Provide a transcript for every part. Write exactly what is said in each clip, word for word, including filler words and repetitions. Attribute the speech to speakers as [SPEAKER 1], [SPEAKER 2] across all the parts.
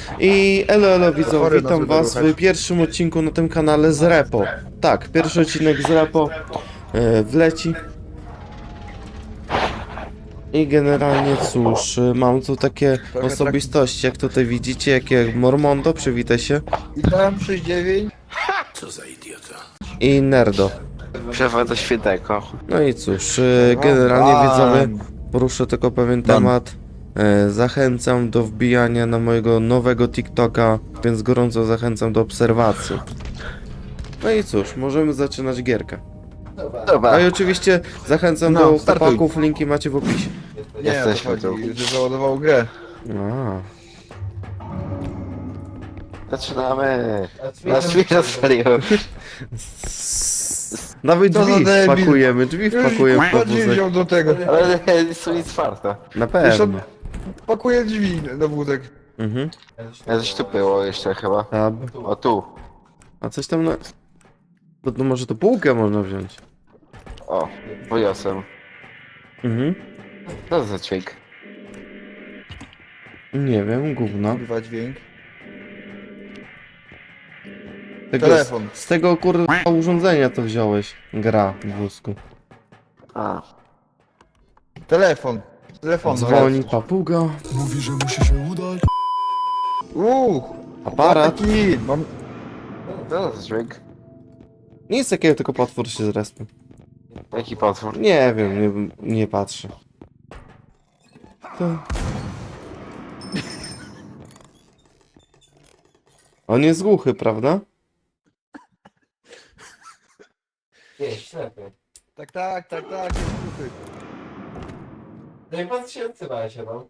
[SPEAKER 1] I elo elo widzowie,
[SPEAKER 2] Chory
[SPEAKER 1] witam
[SPEAKER 2] nas
[SPEAKER 1] was
[SPEAKER 2] będą
[SPEAKER 1] w pierwszym odcinku na tym kanale z Repo. Tak, pierwszy odcinek z Repo e, wleci. I generalnie cóż, e, mam tu takie
[SPEAKER 2] Trochę
[SPEAKER 1] osobistości, jak tutaj widzicie, jakie Mormondo, przywitaj się,
[SPEAKER 2] Witam, sześć dziewięć.
[SPEAKER 1] i Nerdo.
[SPEAKER 3] Przewoda świętego.
[SPEAKER 1] No i cóż, e, generalnie widzowie, poruszę tylko pewien
[SPEAKER 2] Dan.
[SPEAKER 1] temat. E, Zachęcam do wbijania na mojego nowego TikToka, więc gorąco zachęcam do obserwacji. No i cóż, możemy zaczynać gierkę.
[SPEAKER 3] Dobra,
[SPEAKER 1] No i oczywiście zachęcam
[SPEAKER 2] No,
[SPEAKER 1] do
[SPEAKER 2] startuj.
[SPEAKER 1] chłopaków, linki macie w opisie.
[SPEAKER 2] Nie, o to
[SPEAKER 3] Jesteśmy tu.
[SPEAKER 2] chodzi, że załadował grę.
[SPEAKER 1] A,
[SPEAKER 3] zaczynamy. Na świecie rozpaliłem.
[SPEAKER 1] nawet
[SPEAKER 2] Co za
[SPEAKER 1] drzwi
[SPEAKER 2] debil.
[SPEAKER 1] wpakujemy, drzwi wpakujemy w
[SPEAKER 2] Już drzwi
[SPEAKER 1] wózek.
[SPEAKER 2] wziął do tego.
[SPEAKER 3] Ale nie są nic czwarte.
[SPEAKER 1] Na
[SPEAKER 2] Jeszcze
[SPEAKER 1] pewno.
[SPEAKER 2] pakuje drzwi na wózek.
[SPEAKER 1] Mhm.
[SPEAKER 3] Ja coś tu było jeszcze chyba.
[SPEAKER 1] Tab.
[SPEAKER 3] O tu.
[SPEAKER 1] A coś tam na... To, to może to półkę można wziąć.
[SPEAKER 3] O, wyniosłem.
[SPEAKER 1] Mhm.
[SPEAKER 3] Co to za dźwięk?
[SPEAKER 1] Nie wiem, gówno.
[SPEAKER 2] Kurwa dźwięk.
[SPEAKER 1] Tego,
[SPEAKER 2] Telefon.
[SPEAKER 1] Z, z tego kurwa urządzenia to wziąłeś. Gra w wózku.
[SPEAKER 3] A,
[SPEAKER 2] Telefon. Telefon.
[SPEAKER 1] Dzwoni papuga.
[SPEAKER 4] Mówi, że musi się udać.
[SPEAKER 2] Uuu.
[SPEAKER 1] Aparat.
[SPEAKER 2] Taki. Mam...
[SPEAKER 3] co to za dźwięk?
[SPEAKER 1] Nic takiego, tylko potwór się zrespił.
[SPEAKER 3] Jaki potwór?
[SPEAKER 1] Nie wiem, nie, nie patrzę. To... On jest głuchy, prawda?
[SPEAKER 5] Nie, ślepy.
[SPEAKER 2] Tak, tak, tak, tak. Jest głuchy.
[SPEAKER 5] No i pan się odzywa się, no.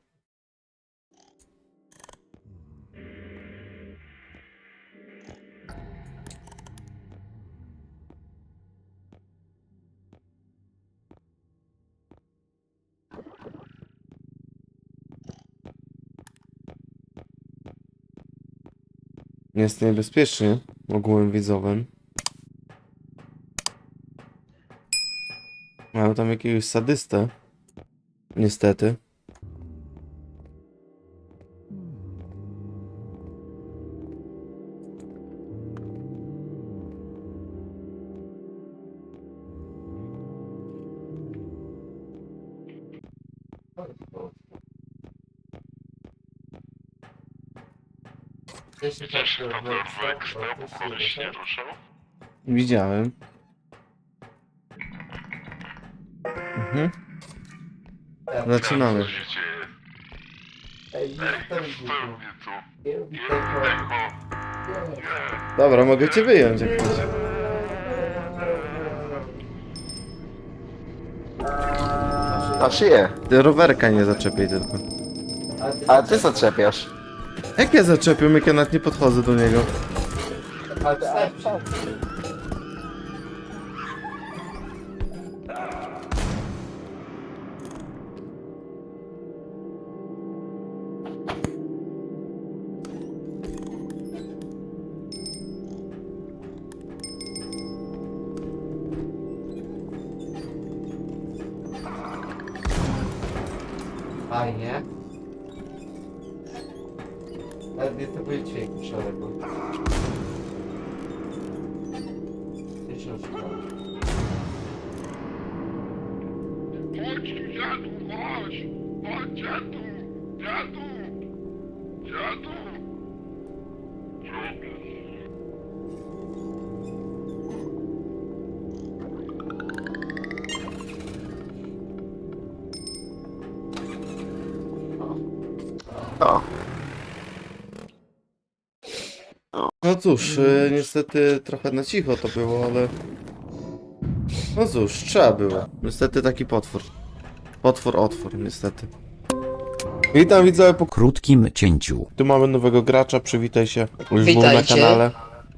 [SPEAKER 1] Jest niebezpiecznie, ogółem widzowym. Mają tam jakiegoś sadystę. Niestety.
[SPEAKER 5] Jeśli tak,
[SPEAKER 6] Wiesz,
[SPEAKER 5] to-
[SPEAKER 6] to
[SPEAKER 5] to-
[SPEAKER 6] dorwek
[SPEAKER 5] to-
[SPEAKER 6] stał,
[SPEAKER 5] to-
[SPEAKER 6] bo
[SPEAKER 5] to-
[SPEAKER 6] koleś
[SPEAKER 5] to-
[SPEAKER 6] nie ruszał?
[SPEAKER 1] Widziałem. Mhm.
[SPEAKER 5] Tak.
[SPEAKER 1] Zaczynamy.
[SPEAKER 6] Co się dzieje?
[SPEAKER 5] Ej,
[SPEAKER 6] Ej,
[SPEAKER 5] ten
[SPEAKER 6] spełnię tu.
[SPEAKER 5] Nie robi
[SPEAKER 6] Nie,
[SPEAKER 5] tego.
[SPEAKER 6] tego. Nie.
[SPEAKER 1] Dobra, mogę cię wyjąć jak chcesz.
[SPEAKER 3] A szyję.
[SPEAKER 1] Ty rowerka nie zaczepiaj tylko.
[SPEAKER 3] A ty co czepiasz?
[SPEAKER 1] Jak ja zaczepiam, jak ja nawet nie podchodzę do niego?
[SPEAKER 5] Ale to starczy. Fajnie. Ale nie to będzie dźwięk w szeregu. Jeszcze raz.
[SPEAKER 6] Chodź tu, dziadu, chodź! Chodź, dziadu! Dziadu! Dziadu! Dziadu!
[SPEAKER 3] O,
[SPEAKER 1] No cóż, y, niestety trochę na cicho to było, ale... No cóż, trzeba było. Niestety taki potwór. Potwór, otwór, niestety. Witam widzowie po...
[SPEAKER 4] Krótkim cięciu.
[SPEAKER 1] Tu mamy nowego gracza, przywitaj się. Już był na
[SPEAKER 7] Witajcie.
[SPEAKER 1] kanale.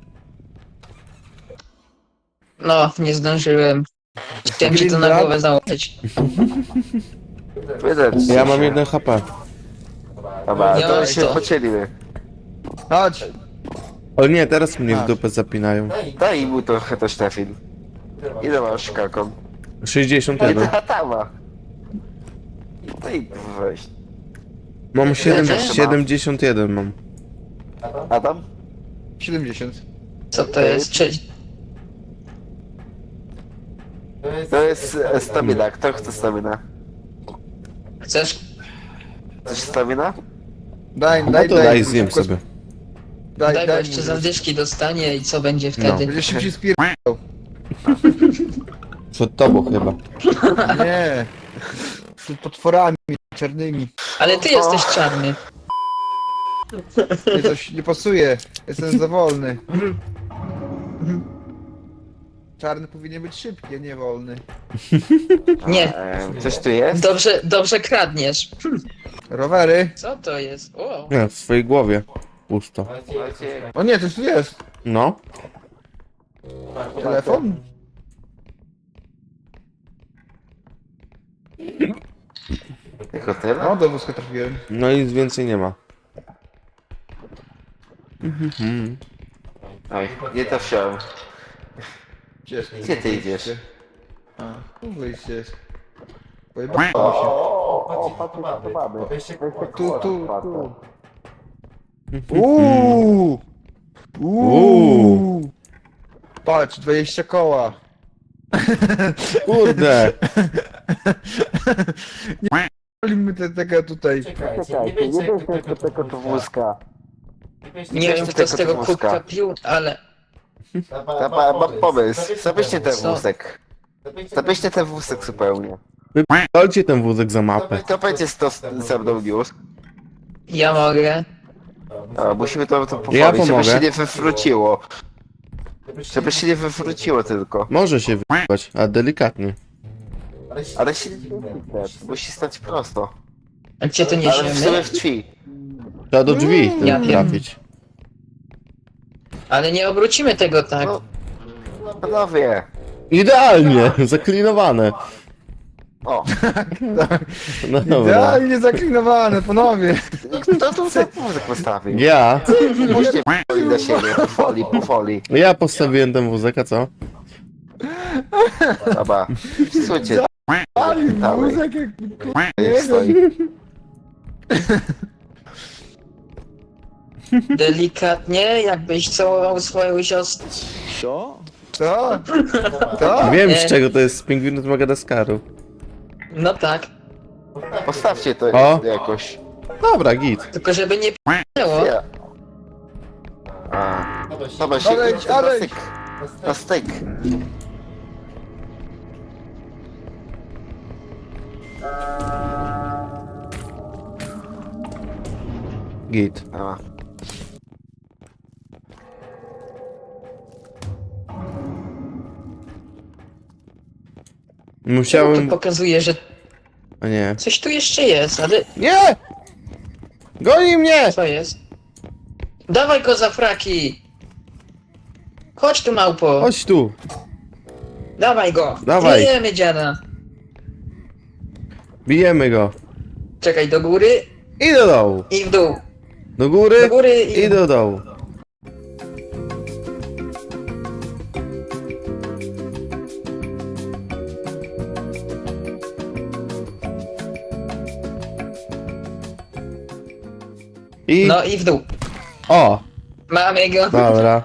[SPEAKER 7] No, nie zdążyłem. Chciałem ci to na
[SPEAKER 2] Green
[SPEAKER 7] głowę założyć.
[SPEAKER 3] widać.
[SPEAKER 1] Ja mam jeden H P.
[SPEAKER 3] Dobra,
[SPEAKER 7] Nie
[SPEAKER 3] to
[SPEAKER 7] ma
[SPEAKER 3] się
[SPEAKER 7] co.
[SPEAKER 3] pocielimy.
[SPEAKER 2] Chodź.
[SPEAKER 1] O nie, teraz mnie w dupę zapinają.
[SPEAKER 3] Daj mu trochę to Stefin. Ile masz kaką?
[SPEAKER 1] sześćdziesiąt
[SPEAKER 3] Ej,
[SPEAKER 1] jeden.
[SPEAKER 3] ta tama. No i weź.
[SPEAKER 1] Mam siedem,
[SPEAKER 7] Ile?
[SPEAKER 1] siedemdziesiąt jeden mam.
[SPEAKER 3] Adam?
[SPEAKER 2] siedemdziesiąt.
[SPEAKER 7] Co to jest? Cześć.
[SPEAKER 3] To jest e, stamina. Kto chce stamina?
[SPEAKER 7] Chcesz?
[SPEAKER 3] Chcesz stamina?
[SPEAKER 2] Daj,
[SPEAKER 1] No
[SPEAKER 2] daj,
[SPEAKER 1] to
[SPEAKER 2] daj.
[SPEAKER 1] daj, zjem
[SPEAKER 2] szybko-
[SPEAKER 1] sobie.
[SPEAKER 2] Daj,
[SPEAKER 7] Daj, bo
[SPEAKER 2] daj.
[SPEAKER 7] jeszcze
[SPEAKER 2] mu-
[SPEAKER 7] zadyszki dostanie i co będzie wtedy?
[SPEAKER 2] Będzie szybciej spierdał.
[SPEAKER 1] Przed tobą chyba.
[SPEAKER 2] Nie. Przed potworami czarnymi.
[SPEAKER 7] Ale ty jesteś czarny.
[SPEAKER 2] Nie, coś nie pasuje. Jestem za wolny. Czarny powinien być szybki, a nie wolny.
[SPEAKER 7] Nie.
[SPEAKER 3] E, coś tu jest?
[SPEAKER 7] Dobrze, dobrze kradniesz.
[SPEAKER 2] Rowery.
[SPEAKER 7] Co to jest? O,
[SPEAKER 1] Nie, w swojej głowie. Pusto.
[SPEAKER 2] O nie, coś tu jest.
[SPEAKER 1] No.
[SPEAKER 2] Telefon?
[SPEAKER 3] Tylko tyle?
[SPEAKER 2] No, do wózka trafiłem.
[SPEAKER 1] No i nic więcej nie ma. Mhm.
[SPEAKER 3] Oj, nie to wziąłem.
[SPEAKER 2] Gdzie,
[SPEAKER 3] Gdzie ty idziesz?
[SPEAKER 2] A, tu wyjście jest. Pojebało się.
[SPEAKER 5] O, patrzcie, to mamy. Weźcie
[SPEAKER 2] Tu, tu, tu.
[SPEAKER 1] Mhm.
[SPEAKER 2] Uuu! Uuu! Patrz, dwadzieścia koła.
[SPEAKER 1] Kurde!
[SPEAKER 2] Palimy te, tego tutaj.
[SPEAKER 5] Czekajcie, nie wiecie jak do tego
[SPEAKER 3] tylko do wózka.
[SPEAKER 7] nie wiem kto z tego
[SPEAKER 3] tylko
[SPEAKER 7] kubka
[SPEAKER 3] wózka.
[SPEAKER 7] pił, ale...
[SPEAKER 3] Ta ma, mam pomysł. Zabierzcie ten
[SPEAKER 7] Co?
[SPEAKER 3] wózek. Zabierzcie ten wózek zupełnie.
[SPEAKER 1] Wypalcie ten wózek za mapę.
[SPEAKER 3] To będzie sto ze mną news.
[SPEAKER 7] Ja mogę.
[SPEAKER 3] A, musimy to, to
[SPEAKER 1] Ja
[SPEAKER 3] poprawić, żeby
[SPEAKER 1] pomogę.
[SPEAKER 3] się nie wywróciło. Żeby się nie wywróciło tylko.
[SPEAKER 1] Może się wypać, a delikatnie.
[SPEAKER 3] Ale się nie wywróci. Musi stać prosto.
[SPEAKER 7] A gdzie to
[SPEAKER 3] Ale w sumie
[SPEAKER 7] niesiemy?
[SPEAKER 3] w drzwi.
[SPEAKER 1] Trzeba do drzwi
[SPEAKER 7] Ja
[SPEAKER 1] tym
[SPEAKER 7] wiem.
[SPEAKER 1] trafić.
[SPEAKER 7] Ale nie obrócimy tego tak.
[SPEAKER 3] No, panowie.
[SPEAKER 1] Idealnie! Zaklinowane.
[SPEAKER 3] O,
[SPEAKER 1] No dobra.
[SPEAKER 2] Idealnie zaklinowane, panowie.
[SPEAKER 3] kto tu ten wózek postawił?
[SPEAKER 1] Ja?
[SPEAKER 3] Musicie p***li na siebie, po folii, po folii.
[SPEAKER 1] Ja postawiłem ten wózek, a co?
[SPEAKER 3] Dobra. Słuchajcie,
[SPEAKER 2] Ale
[SPEAKER 3] Dawaj.
[SPEAKER 2] wózek jak...
[SPEAKER 3] niech stoi.
[SPEAKER 7] Delikatnie, jakbyś całował swoją siostrę.
[SPEAKER 2] Co? Co?
[SPEAKER 1] Wiem
[SPEAKER 7] Nie.
[SPEAKER 1] z czego to jest, z pingwinów z Madagaskaru.
[SPEAKER 7] No tak.
[SPEAKER 3] Postawcie to
[SPEAKER 1] O.
[SPEAKER 3] jakoś.
[SPEAKER 1] Dobra, git.
[SPEAKER 7] Tylko żeby nie p***ło.
[SPEAKER 3] Ja. A, dobra, się
[SPEAKER 2] Aleś,
[SPEAKER 3] na
[SPEAKER 2] aleś.
[SPEAKER 3] styk. Na styk.
[SPEAKER 1] Git.
[SPEAKER 3] Dobra.
[SPEAKER 7] To
[SPEAKER 1] Musiałem...
[SPEAKER 7] pokazuje, że
[SPEAKER 1] A nie.
[SPEAKER 7] coś tu jeszcze jest, ale
[SPEAKER 1] Nie! Goni mnie!
[SPEAKER 7] co jest? Dawaj go za fraki! Chodź tu małpo!
[SPEAKER 1] Chodź tu.
[SPEAKER 7] Dawaj go!
[SPEAKER 1] Dawaj.
[SPEAKER 7] Bijemy dziada!
[SPEAKER 1] Bijemy go.
[SPEAKER 7] Czekaj, do góry
[SPEAKER 1] I do dołu.
[SPEAKER 7] i w dół.
[SPEAKER 1] Do góry,
[SPEAKER 7] Do góry i...
[SPEAKER 1] i do dołu. I...
[SPEAKER 7] No i w dół.
[SPEAKER 1] O!
[SPEAKER 7] Mamy go.
[SPEAKER 1] Dobra.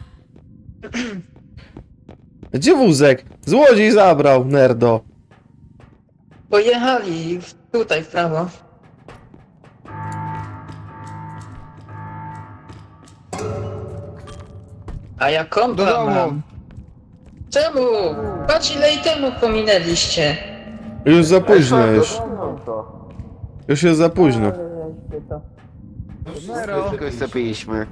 [SPEAKER 1] Gdzie wózek? Złodziej zabrał, nerdo.
[SPEAKER 7] Pojechali w- tutaj w prawo. A ja
[SPEAKER 2] Do
[SPEAKER 7] kompa
[SPEAKER 2] domu.
[SPEAKER 7] mam. Czemu? Patrz ile i temu pominęliście.
[SPEAKER 1] Już za późno już. Już jest za późno.
[SPEAKER 3] Tylko już zapiliśmy.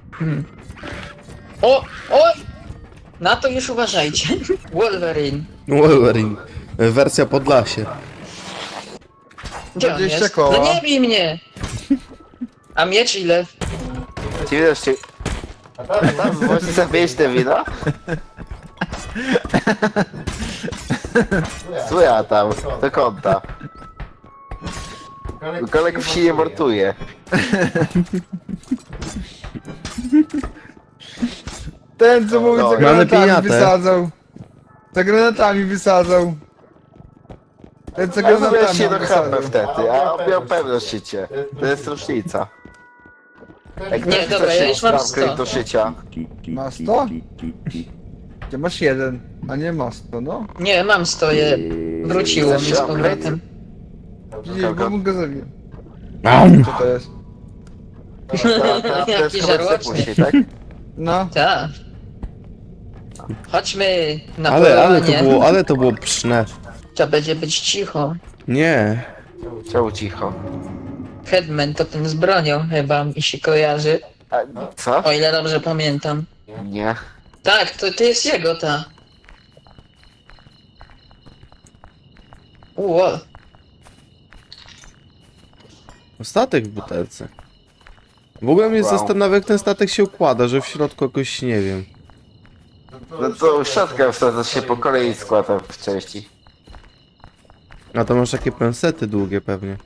[SPEAKER 7] O! Oj! Na to już uważajcie. Wolverine.
[SPEAKER 1] Wolverine. Wersja Podlasie.
[SPEAKER 7] Gdzie on
[SPEAKER 2] dwadzieścia
[SPEAKER 7] jest?
[SPEAKER 2] koła.
[SPEAKER 7] No nie bij mnie! A miecz ile?
[SPEAKER 3] Ci widać, czy... Tam możesz zabierać te wino? Co ja tam? Do kąta. Kolegów się nie mortuje.
[SPEAKER 2] Ten co mówi,
[SPEAKER 3] No,
[SPEAKER 2] za
[SPEAKER 3] mamy
[SPEAKER 2] granatami
[SPEAKER 1] piniatę.
[SPEAKER 2] wysadzał. Za granatami wysadzał. Ten co
[SPEAKER 3] Ja zrobię
[SPEAKER 2] granatami
[SPEAKER 3] się do
[SPEAKER 2] wysadzał.
[SPEAKER 3] chapę wtedy, a on miał pewność życie. To jest różnica. Jak
[SPEAKER 7] Nie,
[SPEAKER 3] ktoś
[SPEAKER 7] dobra,
[SPEAKER 3] chce
[SPEAKER 7] ja
[SPEAKER 3] się
[SPEAKER 7] już mam
[SPEAKER 3] upgrade
[SPEAKER 7] sto.
[SPEAKER 3] do szycia.
[SPEAKER 2] Ma sto? Ty masz jeden, a nie ma sto, no.
[SPEAKER 7] Nie, mam stoję. Wróciło mi z
[SPEAKER 3] Chcesz upgrade?
[SPEAKER 7] powrotem.
[SPEAKER 2] Nie, bo mu go zabiję.
[SPEAKER 1] Am.
[SPEAKER 2] Co to jest?
[SPEAKER 3] To- to- to jest
[SPEAKER 7] Jaki
[SPEAKER 3] chyba
[SPEAKER 7] żarłoczny.
[SPEAKER 3] później, tak?
[SPEAKER 2] No.
[SPEAKER 7] Tak. Chodźmy na
[SPEAKER 1] Ale, ale to
[SPEAKER 7] polowanie.
[SPEAKER 1] było, ale to było pszne.
[SPEAKER 7] Trzeba będzie być cicho.
[SPEAKER 1] Nie.
[SPEAKER 3] Czemu cicho?
[SPEAKER 7] Headman to ten z bronią chyba mi się kojarzy.
[SPEAKER 3] A, co?
[SPEAKER 7] O ile dobrze pamiętam.
[SPEAKER 3] Nie.
[SPEAKER 7] Tak, to, to jest jego ta. Ło.
[SPEAKER 1] Statek w butelce. W ogóle mnie
[SPEAKER 3] Wow.
[SPEAKER 1] zastanawia, jak ten statek się układa, że w środku jakoś nie wiem.
[SPEAKER 3] No to szatkę wsadza się po kolei składa w części.
[SPEAKER 1] A to masz takie pensety długie pewnie.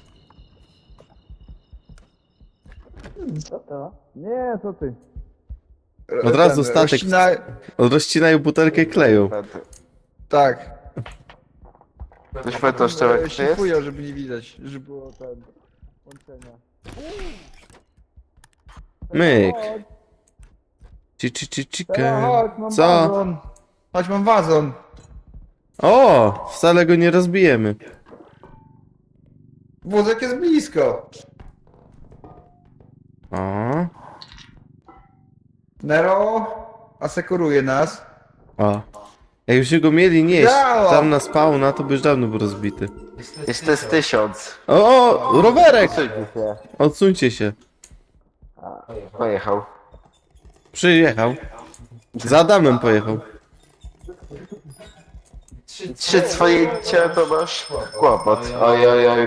[SPEAKER 7] Co to?
[SPEAKER 2] Nie, co ty?
[SPEAKER 1] Od razu
[SPEAKER 2] Ten,
[SPEAKER 1] statek.
[SPEAKER 2] rozcina-
[SPEAKER 1] Rozcinają butelkę i kleją.
[SPEAKER 2] Tak.
[SPEAKER 3] Ktoś pamięta szczerek, to jest?
[SPEAKER 2] Szlifują, żeby nie widać, żeby było ten... łączenia.
[SPEAKER 1] Myk. Ci, ci, ci,
[SPEAKER 2] Teraz
[SPEAKER 1] chicken.
[SPEAKER 2] Chodź, mam
[SPEAKER 1] Co?
[SPEAKER 2] wazon. Chodź, mam wazon.
[SPEAKER 1] O! Wcale go nie rozbijemy.
[SPEAKER 2] Wózek jest blisko.
[SPEAKER 1] O.
[SPEAKER 2] Nero asekuruje nas.
[SPEAKER 1] O. Jak już go mieli nieść
[SPEAKER 2] Działa!
[SPEAKER 1] tam na spawna, to by już dawno był rozbity.
[SPEAKER 3] Jest to jest tysiąc.
[SPEAKER 1] O! o rowerek!
[SPEAKER 3] Odsuńcie się.
[SPEAKER 1] Odsuńcie się.
[SPEAKER 3] Pojechał.
[SPEAKER 1] Przyjechał. Za Adamem pojechał.
[SPEAKER 3] Trzy swojęcia to masz kłopot. Oj, oj, oj.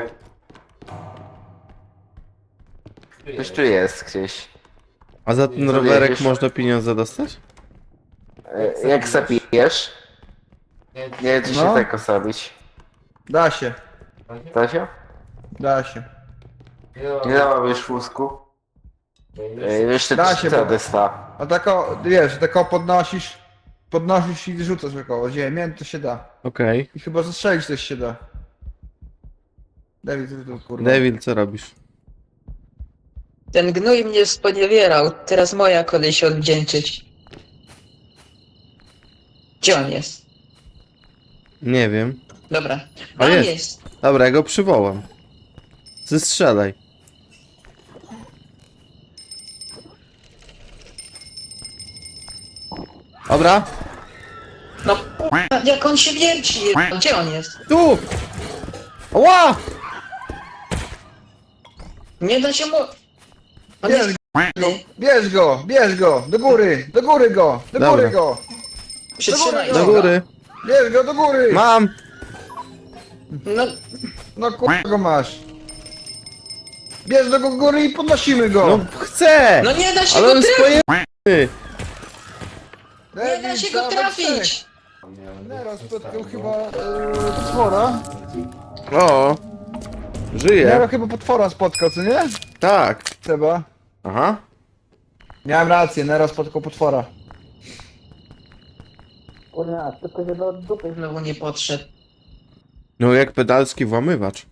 [SPEAKER 3] Już tu jest gdzieś.
[SPEAKER 1] A za ten
[SPEAKER 3] Co
[SPEAKER 1] rowerek
[SPEAKER 3] jedziesz?
[SPEAKER 1] można pieniądze dostać?
[SPEAKER 3] E, Jak zapijesz? Nie, czy się
[SPEAKER 2] No.
[SPEAKER 3] tak osabić.
[SPEAKER 2] Da się,
[SPEAKER 3] Da się?
[SPEAKER 2] da się.
[SPEAKER 3] Nie dałam już wózku. E, Jeszcze
[SPEAKER 2] Da
[SPEAKER 3] trzy
[SPEAKER 2] się, bo-
[SPEAKER 3] cedysta.
[SPEAKER 2] A tako, wiesz, tako podnosisz, podnosisz i rzucasz około ziemię, to się da.
[SPEAKER 1] Okej.
[SPEAKER 2] I chyba zastrzelić też się da. David, ty tu kurwa.
[SPEAKER 1] Devil, co robisz?
[SPEAKER 7] Ten gnój mnie sponiewierał. Teraz moja kolej się odwdzięczyć. Gdzie on jest?
[SPEAKER 1] Nie wiem.
[SPEAKER 7] Dobra.
[SPEAKER 1] A
[SPEAKER 7] Tam
[SPEAKER 1] jest.
[SPEAKER 7] jest.
[SPEAKER 1] Dobra, ja go przywołam. Zestrzelaj. Dobra.
[SPEAKER 7] No k***a, jak on się wierci. Gdzie on jest?
[SPEAKER 1] Tu! Ła!
[SPEAKER 7] Nie da się mu... On
[SPEAKER 2] Bierz
[SPEAKER 7] jest
[SPEAKER 2] go, bierz go, bierz go, do góry, do góry go, do
[SPEAKER 1] Dobra.
[SPEAKER 2] góry go.
[SPEAKER 7] Przytrzymaj
[SPEAKER 2] Do
[SPEAKER 1] Do
[SPEAKER 7] go.
[SPEAKER 1] góry.
[SPEAKER 2] Bierz go do góry.
[SPEAKER 1] Mam!
[SPEAKER 7] No,
[SPEAKER 2] No kurwa go masz. Bierz do góry i podnosimy go.
[SPEAKER 1] No chcę!
[SPEAKER 7] no nie da się
[SPEAKER 1] Ale
[SPEAKER 7] go
[SPEAKER 1] on jest
[SPEAKER 7] trafić.
[SPEAKER 1] pojemny!
[SPEAKER 7] Nie da się go trafić.
[SPEAKER 2] Nero spotkał chyba e, potwora.
[SPEAKER 1] O!
[SPEAKER 2] Nero
[SPEAKER 1] Żyje.
[SPEAKER 2] chyba potwora spotkał, co nie?
[SPEAKER 1] Tak.
[SPEAKER 2] Trzeba.
[SPEAKER 1] Aha.
[SPEAKER 2] Miałem rację, Nero spotkał potwora.
[SPEAKER 7] Kurwa, tylko żeby od dupy znowu nie podszedł.
[SPEAKER 1] No jak pedalski włamywacz.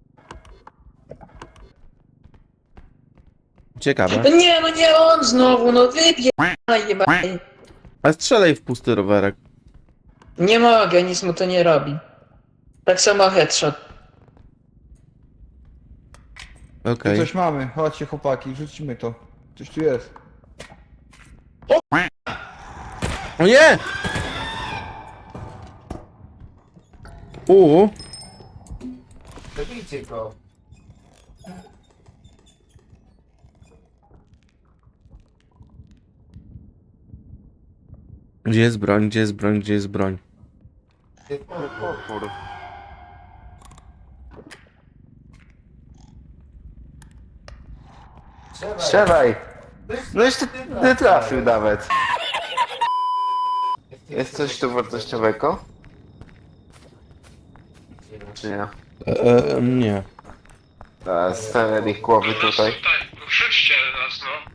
[SPEAKER 1] Ciekawe.
[SPEAKER 7] No nie, no nie on znowu, no wypierdaj jebaj.
[SPEAKER 1] A strzelaj w pusty rowerek.
[SPEAKER 7] Nie mogę, nic mu to nie robi. Tak samo headshot.
[SPEAKER 1] Okej.
[SPEAKER 2] Tu coś mamy, chodźcie chłopaki, rzucimy to. Coś tu jest.
[SPEAKER 1] O nie! Uuu.
[SPEAKER 5] Zabijcie go.
[SPEAKER 1] Gdzie jest broń? Gdzie jest broń? Gdzie jest broń?
[SPEAKER 5] Jest potwór. Strzelaj.
[SPEAKER 3] Strzelaj! No jeszcze nie trafił nawet. Jest coś tu wartościowego? Czy nie?
[SPEAKER 1] E, e, nie.
[SPEAKER 3] A, stare ich głowy tutaj.
[SPEAKER 6] Tak, krzyczcie nas, no.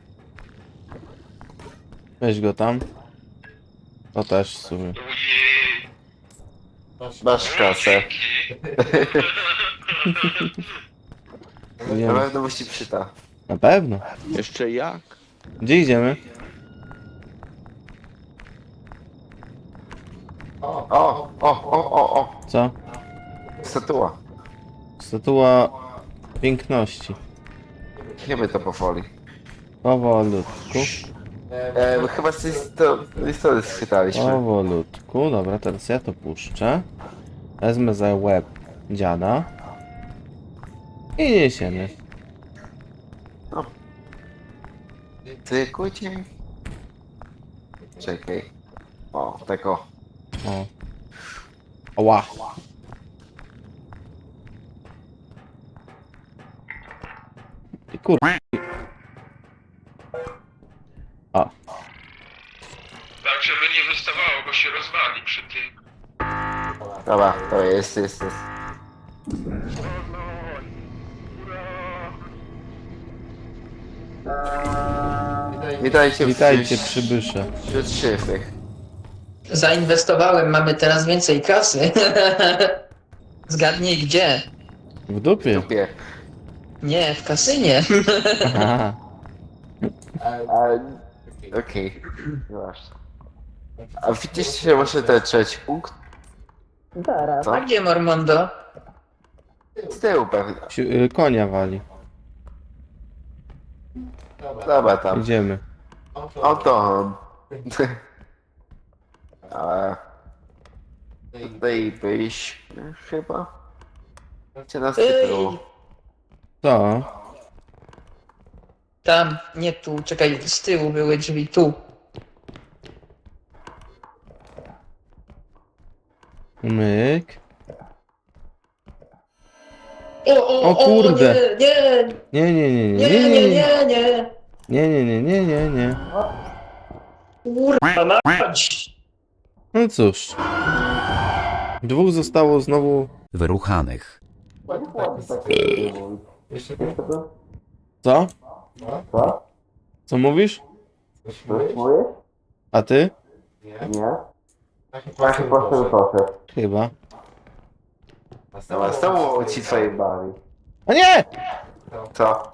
[SPEAKER 1] Weź go tam. To też w sumie.
[SPEAKER 6] Ojej.
[SPEAKER 3] Masz kasę.
[SPEAKER 1] Wiem.
[SPEAKER 3] Na pewno musi przyta.
[SPEAKER 1] Na pewno.
[SPEAKER 3] Jeszcze jak?
[SPEAKER 1] Gdzie idziemy?
[SPEAKER 3] O, o, o, o, o.
[SPEAKER 1] Co?
[SPEAKER 3] Statua.
[SPEAKER 1] Statua piękności.
[SPEAKER 3] Chyba to powoli.
[SPEAKER 1] Powolutku.
[SPEAKER 3] E, chyba z tej sto- listy schwytaliśmy.
[SPEAKER 1] Powolutku. Dobra, teraz ja to puszczę. Wezmę za łeb dziada. I niesiemy.
[SPEAKER 3] Ty kujcie. Czekaj. O, tak o.
[SPEAKER 1] O. Ła. I kur... A.
[SPEAKER 6] Tak, żeby nie wystawało, bo się rozwali przy tym.
[SPEAKER 3] Dobra, to jest, jest, jest. Witajcie,
[SPEAKER 1] Witajcie
[SPEAKER 3] w
[SPEAKER 1] przybysze.
[SPEAKER 3] wśród szyfrych.
[SPEAKER 7] Zainwestowałem, mamy teraz więcej kasy. Zgadnij gdzie?
[SPEAKER 1] W dupie.
[SPEAKER 3] Dupie.
[SPEAKER 7] Nie, w kasynie.
[SPEAKER 1] Aha.
[SPEAKER 3] A, okej. Właśnie. A widzieliście może ten trzeci punkt? Co?
[SPEAKER 7] A gdzie Mormondo?
[SPEAKER 3] Z tyłu pewnie.
[SPEAKER 1] Si- y, konia wali.
[SPEAKER 3] Dobra, tam.
[SPEAKER 1] Idziemy.
[SPEAKER 3] Oto on. A... Tutaj byliśmy chyba? Gdzie nas
[SPEAKER 7] Ej,
[SPEAKER 3] tytułu?
[SPEAKER 1] Co?
[SPEAKER 7] tam, nie tu, czekaj, z tyłu były drzwi, tu.
[SPEAKER 1] Myk.
[SPEAKER 7] O, o,
[SPEAKER 1] O kurde.
[SPEAKER 7] nie, nie,
[SPEAKER 1] Nie, nie, nie, nie,
[SPEAKER 7] nie,
[SPEAKER 1] nie,
[SPEAKER 7] nie,
[SPEAKER 1] nie, nie,
[SPEAKER 7] nie, nie.
[SPEAKER 1] nie, nie, nie, nie, nie, nie.
[SPEAKER 7] Kurwa mać.
[SPEAKER 1] No cóż. Dwóch zostało znowu...
[SPEAKER 4] Wyruchanych.
[SPEAKER 5] Jeszcze
[SPEAKER 1] Co?
[SPEAKER 3] Co?
[SPEAKER 1] Co mówisz?
[SPEAKER 5] coś mówisz?
[SPEAKER 1] A ty?
[SPEAKER 5] Nie?
[SPEAKER 3] Nie?
[SPEAKER 5] Taki
[SPEAKER 3] Taki poszedł, poszedł.
[SPEAKER 1] Chyba.
[SPEAKER 3] Dobra, z tobą ci twojej bawi.
[SPEAKER 1] A nie!
[SPEAKER 3] Co?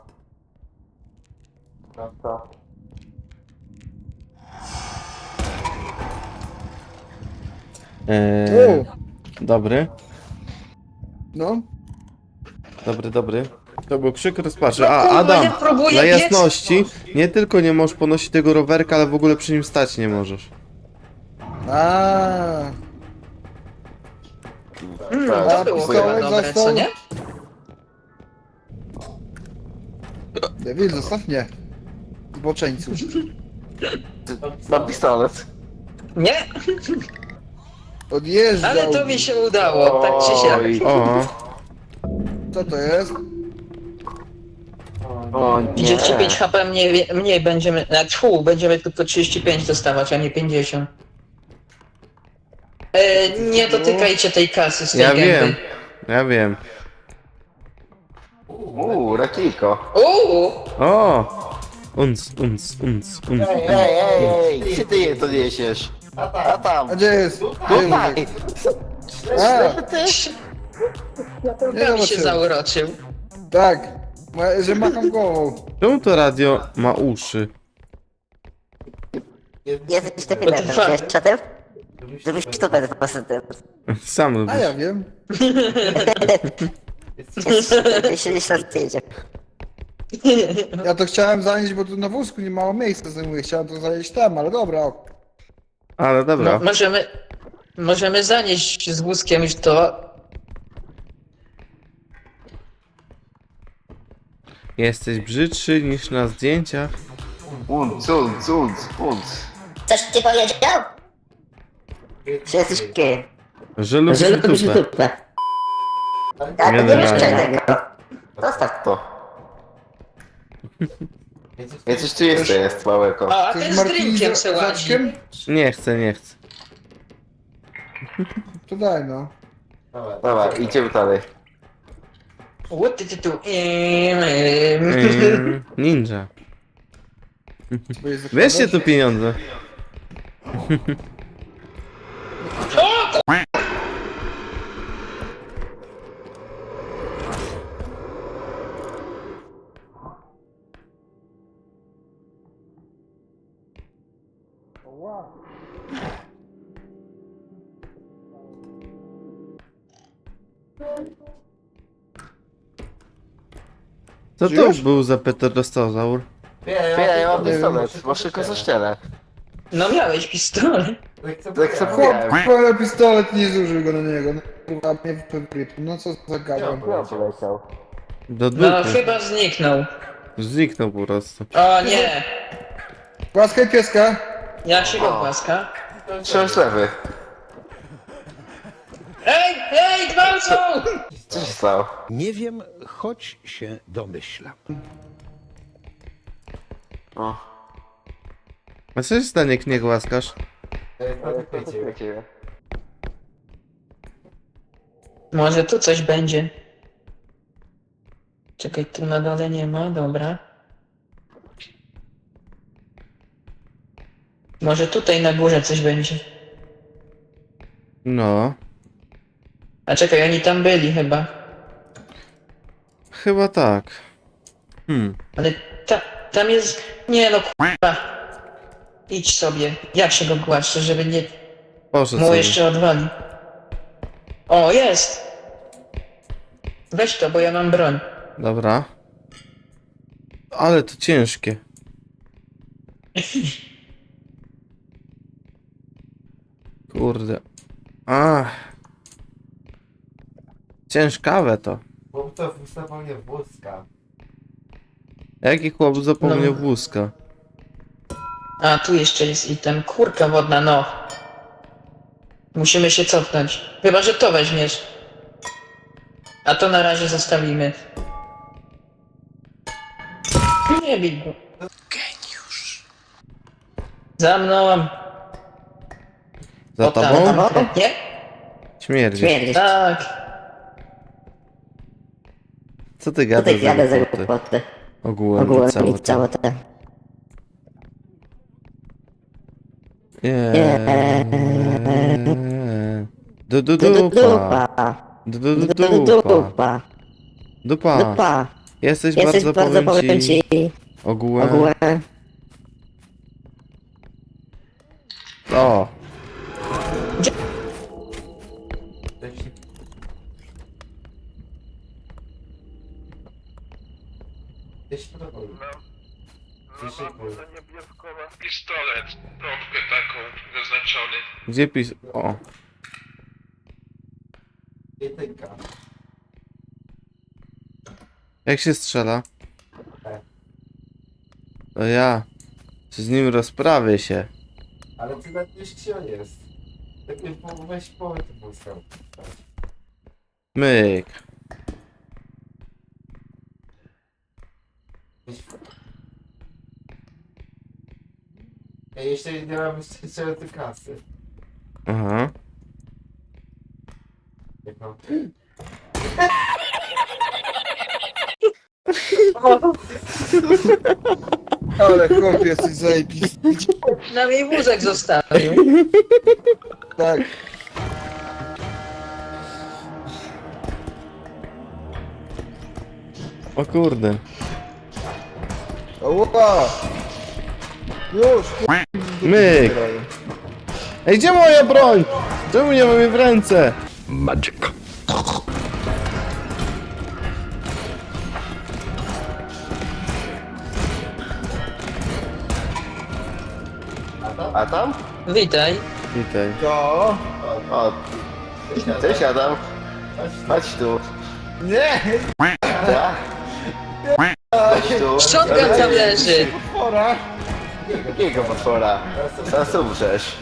[SPEAKER 3] Co?
[SPEAKER 1] Eee, dobry.
[SPEAKER 2] No.
[SPEAKER 1] Dobry, dobry. To był krzyk rozpaczy. A,
[SPEAKER 7] Kurwa,
[SPEAKER 1] Adam!
[SPEAKER 7] ja próbuję
[SPEAKER 1] Dla
[SPEAKER 7] biec.
[SPEAKER 1] jasności, nie tylko nie możesz ponosić tego rowerka, ale w ogóle przy nim stać nie możesz.
[SPEAKER 2] A.
[SPEAKER 7] Mm,
[SPEAKER 3] Tak,
[SPEAKER 7] to było
[SPEAKER 2] pistolet
[SPEAKER 7] chyba dobre,
[SPEAKER 2] został?
[SPEAKER 7] co nie?
[SPEAKER 2] Devil, zostaw mnie. Zboczeńcu.
[SPEAKER 3] Mam pistolet.
[SPEAKER 7] Nie,
[SPEAKER 2] Odjeżdżał.
[SPEAKER 7] ale to mi się udało, tak czy
[SPEAKER 3] Oj.
[SPEAKER 7] siak.
[SPEAKER 1] O,
[SPEAKER 2] Co to jest?
[SPEAKER 3] O nie.
[SPEAKER 7] trzydzieści pięć H P mniej, mniej będziemy, na tfu, będziemy tylko trzydzieści pięć dostawać, a nie pięćdziesiąt. E, nie dotykajcie tej kasy z tej
[SPEAKER 1] ja
[SPEAKER 7] gęby.
[SPEAKER 1] wiem. Ja wiem.
[SPEAKER 3] Uuu, rakijko.
[SPEAKER 7] Uuu,
[SPEAKER 1] O! Unc, unc, unc, unc.
[SPEAKER 3] Ej, ej, ej, ej, gdzie ty je to niesiesz? A tam.
[SPEAKER 2] A gdzie jest?
[SPEAKER 3] Tutaj.
[SPEAKER 2] A,
[SPEAKER 3] Ty?
[SPEAKER 2] Nie
[SPEAKER 7] światełkami się
[SPEAKER 2] zobaczyłem.
[SPEAKER 7] zauroczył.
[SPEAKER 2] tak. Ma- Że macham głową.
[SPEAKER 1] Czemu to radio ma uszy?
[SPEAKER 8] Jesteś debilem,
[SPEAKER 7] What the fuck?
[SPEAKER 8] wiesz czatem? Żebyś to bez pozytyw.
[SPEAKER 1] Sam
[SPEAKER 2] A
[SPEAKER 1] lubisz.
[SPEAKER 2] ja wiem.
[SPEAKER 8] Jeśli się zdjęcie.
[SPEAKER 2] Ja to chciałem zanieść, bo tu na wózku nie mało miejsca zajmuje. Chciałem to zanieść tam, ale dobra. ok.
[SPEAKER 1] Ale dobra.
[SPEAKER 7] No, możemy, możemy zanieść z wózkiem już to.
[SPEAKER 1] Jesteś brzydszy niż na zdjęciach.
[SPEAKER 3] Unc, unc, unc, unc.
[SPEAKER 8] Coś ci powiedział? Czy jesteś gej?
[SPEAKER 1] Że lubisz
[SPEAKER 8] Że lubisz
[SPEAKER 1] dupę.
[SPEAKER 8] dupę. Ja to nie
[SPEAKER 1] Generalnie.
[SPEAKER 8] wiesz tego. Zostaw
[SPEAKER 3] To. Ja coś tu jeszcze jest małego.
[SPEAKER 7] A, a
[SPEAKER 2] To
[SPEAKER 7] ten
[SPEAKER 2] jest
[SPEAKER 7] z
[SPEAKER 2] martini
[SPEAKER 7] drinkiem
[SPEAKER 2] z
[SPEAKER 7] se ładzi.
[SPEAKER 2] zaczkiem?
[SPEAKER 1] Nie chcę, nie chcę.
[SPEAKER 2] To daj no.
[SPEAKER 3] Dobra, idziemy dalej.
[SPEAKER 7] What ty tu? Eee, eee.
[SPEAKER 1] Ym, ninja.
[SPEAKER 2] Bo jest
[SPEAKER 1] Weźcie tu pieniądze. Co to
[SPEAKER 2] Żyjesz?
[SPEAKER 1] był za pterostozaur?
[SPEAKER 5] Wie, ja,
[SPEAKER 3] Wie, ja mam
[SPEAKER 2] Nie wiem,
[SPEAKER 3] pistolet, masz tylko zaścielę.
[SPEAKER 7] No miałeś pistolet.
[SPEAKER 3] Tak sobie
[SPEAKER 2] Chłop,
[SPEAKER 3] miałem.
[SPEAKER 2] ale pistolet nie zużył go na niego. No kurwa, mnie wyprypł. No co za gadam.
[SPEAKER 3] Ja poleciał.
[SPEAKER 1] Do
[SPEAKER 7] No
[SPEAKER 1] dupy.
[SPEAKER 7] chyba zniknął.
[SPEAKER 1] Zniknął po prostu.
[SPEAKER 7] O nie!
[SPEAKER 2] Łaskaj pieska.
[SPEAKER 7] Jak się go
[SPEAKER 3] O.
[SPEAKER 7] głaska?
[SPEAKER 3] Trzymaj lewy.
[SPEAKER 7] Ej, ej, gwałcą!
[SPEAKER 3] Co się stało?
[SPEAKER 4] Nie wiem, choć się domyślam.
[SPEAKER 3] O.
[SPEAKER 1] A co się stanie, jak nie głaskasz?
[SPEAKER 7] Może tu coś będzie. Czekaj, tu na dole nie ma, dobra. Może tutaj na górze coś będzie.
[SPEAKER 1] No.
[SPEAKER 7] A czekaj, oni tam byli chyba.
[SPEAKER 1] Chyba tak. Hmm.
[SPEAKER 7] Ale ta, tam jest... Nie no, k***a. Idź sobie. Jak się go głaszcze, żeby nie...
[SPEAKER 1] Poszedł
[SPEAKER 7] Mu
[SPEAKER 1] sobie.
[SPEAKER 7] jeszcze odwali. O, jest! Weź to, bo ja mam broń.
[SPEAKER 1] Dobra. Ale to ciężkie. Kurde. Ach. Ciężkawe to.
[SPEAKER 5] Bo to zapomniał wózka.
[SPEAKER 1] Jaki chłop zapomniał
[SPEAKER 7] No.
[SPEAKER 1] wózka?
[SPEAKER 7] A, tu jeszcze jest item. Kurka wodna, no. Musimy się cofnąć. Chyba, że to weźmiesz. A to na razie zostawimy. Nie bij go. Geniusz. Za mną.
[SPEAKER 1] Za
[SPEAKER 7] O, tam,
[SPEAKER 1] tobą?
[SPEAKER 7] tam, Nie?
[SPEAKER 1] Śmierdzi.
[SPEAKER 8] Śmierdzisz.
[SPEAKER 7] Tak.
[SPEAKER 1] Co ty
[SPEAKER 8] Tutaj
[SPEAKER 1] gadasz
[SPEAKER 8] jadę
[SPEAKER 1] za
[SPEAKER 8] za
[SPEAKER 1] głupoty?
[SPEAKER 8] głupoty.
[SPEAKER 1] Ogółem,
[SPEAKER 8] Ogółem
[SPEAKER 1] całe
[SPEAKER 8] i
[SPEAKER 1] to.
[SPEAKER 8] całe te.
[SPEAKER 1] Nie. Du du
[SPEAKER 8] Du- du-
[SPEAKER 1] dupa.
[SPEAKER 8] Dupa.
[SPEAKER 1] Du du du
[SPEAKER 8] Du- du-
[SPEAKER 1] dupa.
[SPEAKER 8] Dupa.
[SPEAKER 1] Dupa.
[SPEAKER 8] Dupa.
[SPEAKER 1] Jesteś
[SPEAKER 8] Jesteś
[SPEAKER 1] bardzo,
[SPEAKER 8] bardzo, powiem ci,
[SPEAKER 1] Ogółem.
[SPEAKER 8] ogółem.
[SPEAKER 1] O.
[SPEAKER 5] Gdzieś to robi.
[SPEAKER 6] No mam to niebieskowa. Pistolet, trąbkę taką zaznaczony.
[SPEAKER 1] Gdzie pis... O.
[SPEAKER 5] Jedynka.
[SPEAKER 1] Jak się strzela?
[SPEAKER 5] E.
[SPEAKER 1] To ja. Z nim rozprawię się.
[SPEAKER 5] Ale ty nawet wiesz gdzie on jest. Tak nie po- weź połowę tych wózka.
[SPEAKER 1] Myk.
[SPEAKER 5] Ja jeszcze nie mam jeszcze tej kasy.
[SPEAKER 1] Aha.
[SPEAKER 5] Jak mam...
[SPEAKER 2] Ale chłop jesteś zajebisty.
[SPEAKER 7] Na mnie wózek zostawił.
[SPEAKER 2] Tak.
[SPEAKER 1] O kurde.
[SPEAKER 2] Ła! Już!
[SPEAKER 1] Myk. Ej, gdzie moja broń? Czemu nie mam jej w ręce?
[SPEAKER 4] Magic.
[SPEAKER 3] A tam?
[SPEAKER 7] Witaj.
[SPEAKER 1] Witaj.
[SPEAKER 2] To...
[SPEAKER 3] O. Cześć Adam. Chodź tu.
[SPEAKER 2] Nie!
[SPEAKER 3] Tak. Chodź tu.
[SPEAKER 7] Shotgun tam leży.
[SPEAKER 2] Pora!
[SPEAKER 3] Jakiego potwora? Teraz umrzesz.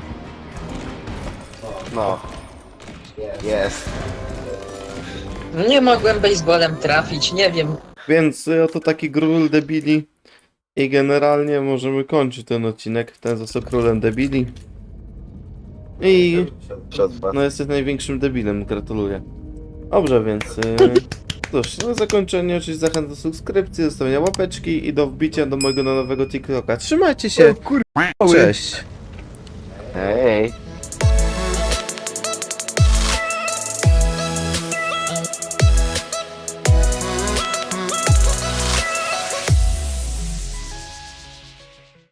[SPEAKER 3] No. Jest.
[SPEAKER 7] Nie mogłem baseballem trafić, nie wiem.
[SPEAKER 1] Więc y, oto taki król debili. I generalnie możemy kończyć ten odcinek w ten sposób królem debili. I
[SPEAKER 3] Przetrwa.
[SPEAKER 1] no jesteś największym debilem, gratuluję. Dobrze, więc y, cóż, na zakończenie oczywiście zachęcam do subskrypcji, zostawienia łapeczki i do wbicia do mojego nowego TikToka. Trzymajcie się,
[SPEAKER 2] Kurwa!
[SPEAKER 1] cześć!
[SPEAKER 3] Hej.